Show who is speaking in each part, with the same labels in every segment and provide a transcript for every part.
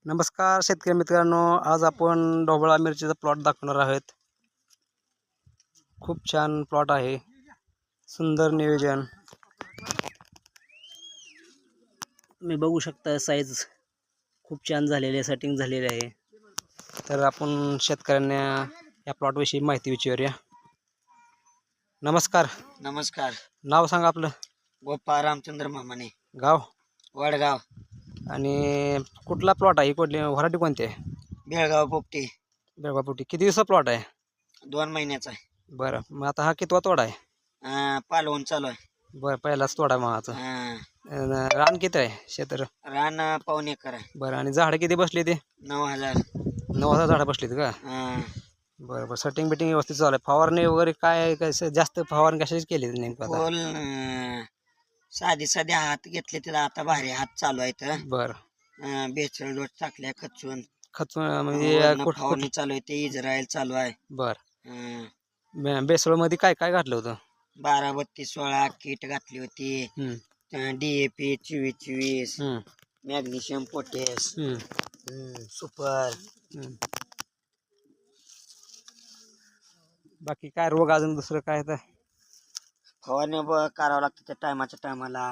Speaker 1: नमस्कार शेतकरी मित्रांनो, आज आपण ढोबळा मिरचीचा प्लॉट दाखवणार आहोत। खूप छान प्लॉट आहे, सुंदर नियोजन। तुम्ही बघू शकता साईज खूप छान झालेली आहे, सेटिंग झालेली आहे। तर आपण शेतकऱ्यांना या प्लॉट विषयी माहिती विचारूया। नमस्कार।
Speaker 2: नमस्कार।
Speaker 1: नाव सांगा आपलं।
Speaker 2: गोपाळ रामचंद्र मामाने,
Speaker 1: गाव
Speaker 2: वडगाव
Speaker 1: आणि कुठला प्लॉट आहे, कुठली व्हरायटी कोणती आहे?
Speaker 2: बेळगाव पोपटी।
Speaker 1: बेळगावपुटी। किती दिवसा प्लॉट आहे?
Speaker 2: 2 महिन्याचा आहे।
Speaker 1: बरं, मग आता हा कितवा तोडा आहे?
Speaker 2: पालवून चालू आहे।
Speaker 1: बरं, पहिलाच तोडा मागाचा।
Speaker 2: अं,
Speaker 1: रान किती आहे क्षेत्र?
Speaker 2: रान 1.25 एकर आहे।
Speaker 1: बरं, आणि झाडं किती बसली ते?
Speaker 2: 9000।
Speaker 1: 9000 झाडं बसलीत का? बरं बरं, सेटिंग बिटिंग व्यवस्थित चालू आहे। फवारणी वगैरे काय कसं, जास्त फवारणी कशाची केली नेमकं आता?
Speaker 2: फुल साधी साधी हात घेतले तर आता भारी हात चालू आहेत।
Speaker 1: बरं,
Speaker 2: बेचळ डोस टाकल्या खचून
Speaker 1: खचून म्हणजे
Speaker 2: वरनं
Speaker 1: कुठ कुठ
Speaker 2: फवारणी चालू आहे, ते इस्रायल चालू आहे।
Speaker 1: बरं, बेसळमध्ये काय काय घातलं होतं?
Speaker 2: 12-32-16 किट घातली होती।
Speaker 1: हम्म,
Speaker 2: DAP 24-24,
Speaker 1: हम्म,
Speaker 2: मॅग्नेशियम पोटॅश,
Speaker 1: हम्म,
Speaker 2: सुपर।
Speaker 1: हम्म. बाकी काय रोग अजून दुसरं काय तर?
Speaker 2: फवारणी करावं लागतं त्या टायमाच्या टायमाला।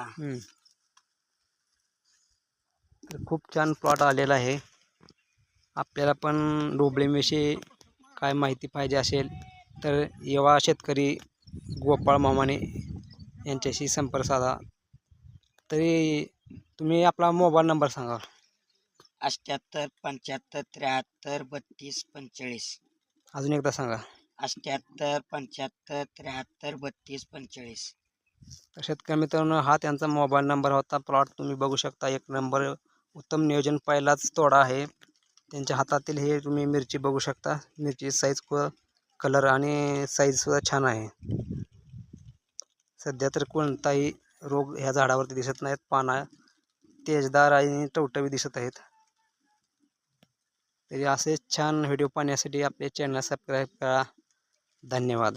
Speaker 1: तर खूप छान प्लॉट आलेला आहे। आपल्याला पण ढोबळीविषयी काय माहिती पाहिजे असेल तर युवा शेतकरी गोपाळ मामाने यांच्याशी संपर्क साधा। तरी तुम्ही आपला मोबाईल नंबर सांगा।
Speaker 2: 78 75 73 32 45।
Speaker 1: अजून एकदा सांगा।
Speaker 2: 78 75 73 32 45।
Speaker 1: तर शेतकरी मित्रांनो, हा त्यांचा मोबाईल नंबर होता। प्लॉट तुम्ही बघू शकता, एक नंबर उत्तम नियोजन, पहिलाच तोडा आहे। त्यांच्या हातातील हे तुम्ही मिरची बघू शकता। मिरची साईज व कलर आणि साईजसुद्धा छान आहे। सध्या तर कोणताही रोग ह्या झाडावरती दिसत नाहीत। पाना तेजदार आणि टवटवीत दिसत आहेत। तरी असे छान व्हिडिओ पाहण्यासाठी आपले चॅनल सबस्क्राईब करा। धन्यवाद।